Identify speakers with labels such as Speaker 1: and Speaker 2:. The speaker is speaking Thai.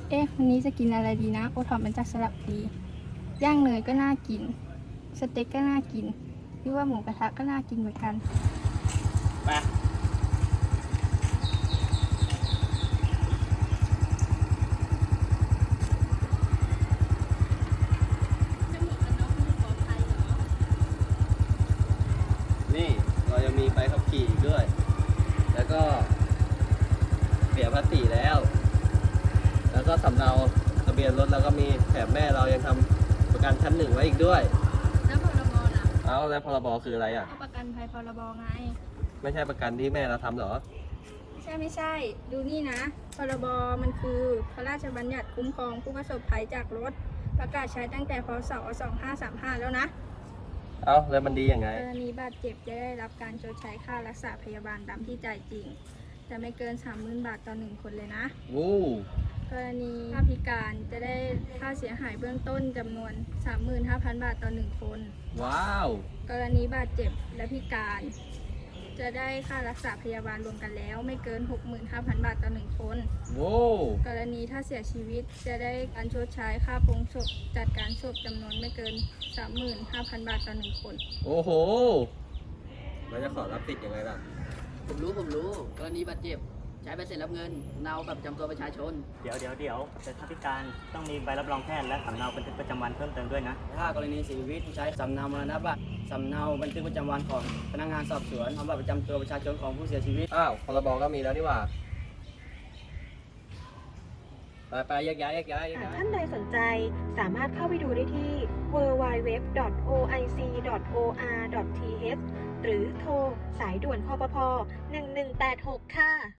Speaker 1: วันนี้จะกินอะไรดีนะโอท็อปมันจากสระบุรีย่างเนยก็น่ากินสเต็กก็น่ากินหรือว่าหมูกระทะก็น่ากินเหมือนกัน
Speaker 2: ไปนี่เรายังมีใบขับขี่ด้วยแล้วก็เสียภาษีแล้วก็สำเนาทะเบียนรถแล้วก็มีแถมแม่เรายังทำประกันชั้นหนึ่งไว้อีกด้วย
Speaker 1: แล้วพรบล่ะ
Speaker 2: แล้วพรบคืออะไรอ่ะ
Speaker 1: ประกันภัยพรบไง
Speaker 2: ไม่ใช่ประกันที่แม่เราทำหรอ
Speaker 1: ไม่ใช่ดูนี่นะพรบมันคือพระราชบัญญัติคุ้มครองผู้ประสบภัยจากรถประกาศใช้ตั้งแต่พ.ศ. 2535แล้วนะ
Speaker 2: แล้วมันดียังไง
Speaker 1: กรณีบาดเจ็บจะได้รับการชดใช้ค่ารักษาพยาบาลตามที่จ่ายจริงจะไม่เกิน 30,000 บาทต่อ1คนเลยนะกรณีถ้าพิการจะได้ค่าเสียหายเบื้องต้นจำนวน 35,000 บาทต่อ1คน
Speaker 2: ว้าว
Speaker 1: กรณีบาดเจ็บและพิการจะได้ค่ารักษาพยาบาลรวมกันแล้วไม่เกิน 65,000 บาทต่อ1คนกรณีถ้าเสียชีวิตจะได้การชดใช้ค่าโปรงศพจัดการศพจำนวนไม่เกิน 35,000 บาทต่อ1คน
Speaker 2: โอ้โหแล้วจะขอรับสิทธิ์ยังไงล่ะ
Speaker 3: ผมรู้กรณีบาดเจ็บใช้ใบเสร็จรับเงินเนาบัตรประจำตัวประชาชน
Speaker 4: เดี๋ยวแต่ถ้าพิการต้องมีใบรับรองแพทย์และสำเนาบันทึกประจำวันเพิ่มเติมด้วยนะ
Speaker 3: ถ้ากรณีเสียชีวิตใช้สำเนามรณบัตรสำเนาบันทึกประจำวันของพนักงานสอบสวนเอาบัตรประจำตัวประชาชนของผู้เสียชีวิต
Speaker 2: พรบก็มีแล้วนี่หว่าไปแยกย้าย
Speaker 5: ท่านใดสนใจสามารถเข้าไปดูได้ที่ www.oic.or.th หรือโทรสายด่วนคปภ 1186 ค่ะ